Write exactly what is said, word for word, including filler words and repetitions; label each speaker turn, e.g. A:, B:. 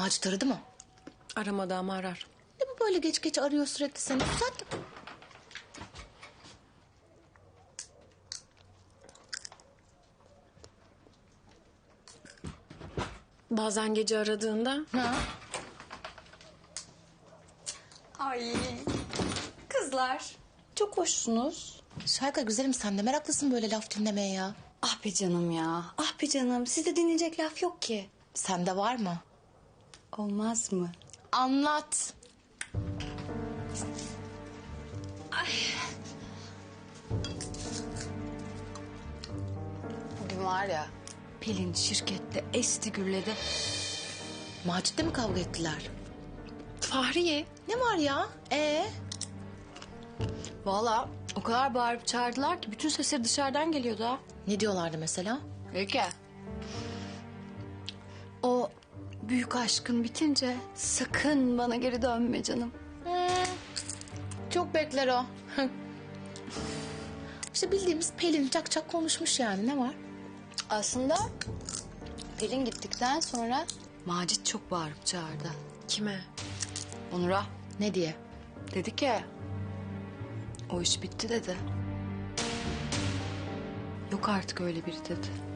A: Macit aradı mı?
B: Aramadı ama arar.
A: Ne bu böyle geç geç arıyor sürekli seni? Uzat.
B: Bazen gece aradığında
A: Ha?
C: Ay kızlar çok hoşsunuz.
A: Şayka güzelim, sen de meraklısın böyle laf dinlemeye ya.
C: Ah be canım ya. Ah be canım. Sizde dinleyecek laf yok ki.
A: Sende var mı?
C: Olmaz mı?
A: Anlat.
C: Bugün var ya Pelin şirkette esti gürledi.
A: Macit'le mi kavga ettiler?
B: Fahriye.
A: Ne var ya? Ee?
C: Valla o kadar bağırıp çağırdılar ki bütün sesleri dışarıdan geliyordu ha.
A: Ne diyorlardı mesela?
C: Peki. O büyük aşkın bitince sakın bana geri dönme canım.
A: Hmm, çok bekler o. İşte bildiğimiz Pelin çak çak konuşmuş yani, ne var?
C: Aslında Pelin gittikten sonra Macit çok bağırıp çağırdı.
B: Kime?
C: Onur'a.
A: Ne diye?
C: Dedi ki o iş bitti dedi. Yok artık öyle biri dedi.